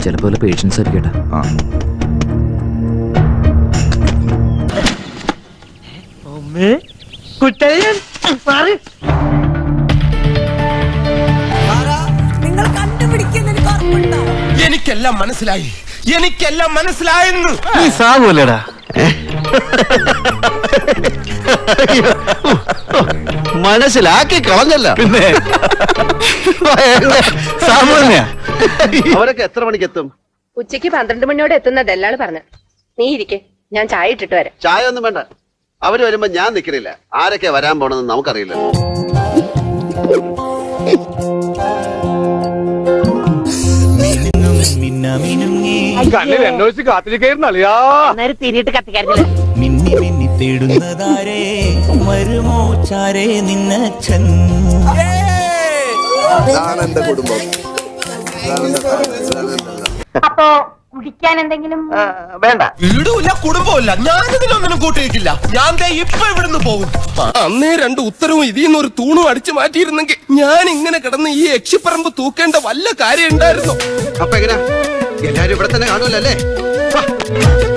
ചിലപ്പോ പേഷ്യൻസ് ആയിരിക്കട്ടെ. നിങ്ങൾ കണ്ടുപിടിക്കുന്ന എനിക്കെല്ലാം മനസ്സിലായി, എനിക്കെല്ലാം മനസ്സിലായെന്ന്. നീ സാവൂലടാ. മനസ്സിലാക്കി കളഞ്ഞല്ല. പിന്നെ അവരൊക്കെ എത്ര മണിക്ക് എത്തും? ഉച്ചയ്ക്ക് 12 മണിയോടെ എത്തുന്ന ദല്ലാള് പറഞ്ഞു. നീ ഇരിക്കെ, ഞാൻ ചായ ഇട്ടിട്ട് വരാം. ചായ ഒന്നും വേണ്ട, അവര് വരുമ്പോ ഞാൻ നിക്കണില്ല. ആരൊക്കെ വരാൻ പോണെന്ന് നമുക്കറിയില്ല. തിരിയിട്ട് കത്തിക്കാറില്ല. മിന്നി മിന്നി തേടുന്നതാരേ വരുമോ ചാരേ നിന്നച്ഛൻ. കുടുംബം അപ്പോ കുടിക്കാൻ എന്തെങ്കിലും വേണ്ട. വീടുമില്ല, കുടുംബമില്ല, ഞാനിതിലൊന്നിനും കൂട്ടിയിരിക്കില്ല. ഞാൻ ദേ ഇപ്പൊ ഇവിടുന്ന് പോകും. അന്നേ 2 ഉത്തരവും ഇതിന്ന് ഒരു തൂണും അടിച്ചു മാറ്റിയിരുന്നെങ്കിൽ ഞാൻ ഇങ്ങനെ കിടന്ന് ഈ യക്ഷിപ്പറമ്പ് തൂക്കേണ്ട വല്ല കാര്യം ഉണ്ടായിരുന്നു. അപ്പൊ എങ്ങനെയാ, എല്ലാരും ഇവിടെ തന്നെ കാണുമല്ലോ അല്ലേ?